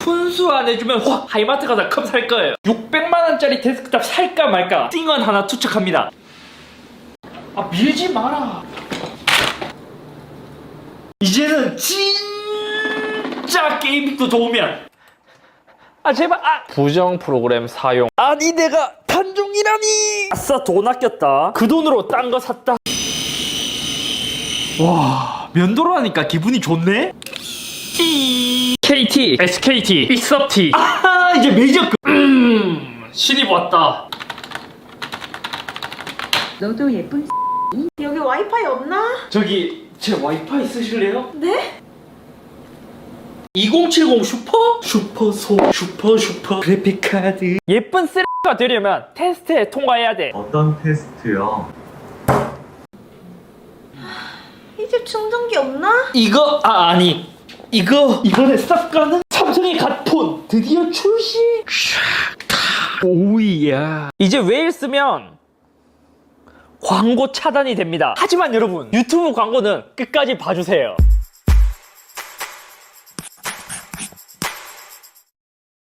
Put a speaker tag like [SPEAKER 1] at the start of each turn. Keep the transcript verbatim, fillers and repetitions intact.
[SPEAKER 1] 분수 안 해주면 확 하이마트 가서 컵 살 거예요. 육백만 원짜리 데스크탑 살까 말까 띵언 하나 투척합니다. 아 밀지 마라. 이제는 진짜 게임도 좋으면 아 제발 아 부정 프로그램 사용. 아니 내가 단종이라니. 아싸 돈 아꼈다. 그 돈으로 딴 거 샀다. 와 면도로 하니까 기분이 좋네. 케이티, 에스케이티, 빅서티. 아 이제 메이저급. 음 신입 왔다.
[SPEAKER 2] 너도 예쁜
[SPEAKER 3] 여기 와이파이 없나?
[SPEAKER 1] 저기 제 와이파이 쓰실래요?
[SPEAKER 3] 네?
[SPEAKER 1] 이공칠공 슈퍼? 슈퍼소 슈퍼 슈퍼 그래픽카드. 예쁜 쓰레기가 되려면 테스트에 통과해야 돼.
[SPEAKER 4] 어떤 테스트요?
[SPEAKER 3] 이 집 충전기 없나?
[SPEAKER 1] 이거 아 아니 이거 이번에 싹 가는 삼성의 갓폰 드디어 출시. 오이야. 이제 웨일 쓰면 광고 차단이 됩니다. 하지만 여러분 유튜브 광고는 끝까지 봐주세요.